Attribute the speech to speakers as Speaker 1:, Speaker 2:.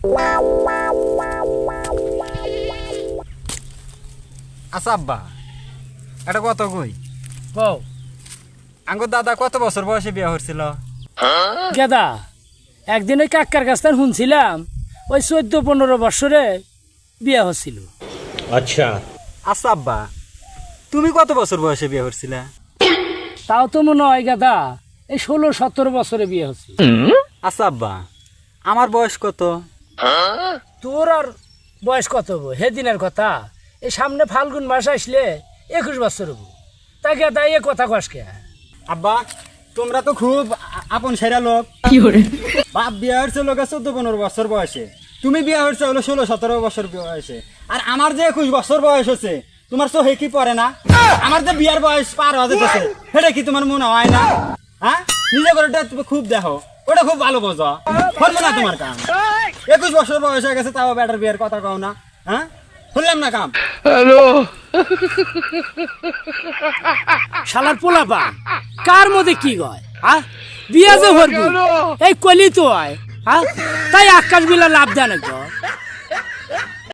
Speaker 1: আচ্ছা আব্বা, এটা কত কই
Speaker 2: কও
Speaker 1: আঙ্গুর দাদা কত বছর বয়সে বিয়ে হচ্ছিল?
Speaker 2: গেদা, একদিন ওই কাকার কাছ থেকে শুনছিলাম ওই 14-15 বছরে বিয়ে হচ্ছিল।
Speaker 3: अच्छा
Speaker 1: আচ্ছা আব্বা, তুমি কত বছর বয়সে বিয়ে হচ্ছিলে?
Speaker 2: তাও তো মনে হয় গেদা এই 16-17 বছরে বিয়ে হচ্ছে।
Speaker 1: আচ্ছা আব্বা, আমার বয়স কত?
Speaker 2: তোর আর বয়স কত হবো সেদিনের কথা? এই সামনে ফাল্গুন মাস আসলে 21 বছর হবো। তা গেদা এ কথা কসকে?
Speaker 1: আব্বা, তোমরা তো খুব আপন সেরা লোক। বাপ বিয়ে হচ্ছে লোকের 14-15 বছর বয়সে, তুমি বিয়ে হচ্ছে হলো 16-17 বছর বয়সে। আর আমার যে 21 বছর বয়স হচ্ছে, তোমার চোখে কি পড়ে না? আমার যে বিয়ার বয়স পার হয়ে যেতেছে, সেটা কি তোমার মনে হয় না? হ্যাঁ, নিজে করে তুমি খুব দেখো, ওটা খুব ভালো বোঝো। শুনবো না তোমার কাম। 21 বছর বয়স হয়ে গেছে, তাও বেটার বিয়ের কথা কও না। হ্যাঁ, শুনলাম না কাম।
Speaker 2: শালার পোলাপা কার মধ্যে কি গয়? হ্যাঁ, বিয়া যে হরবি এই কলি তো হয়। হ্যাঁ, তাই আকাশ বিলা লাভ দেয় না।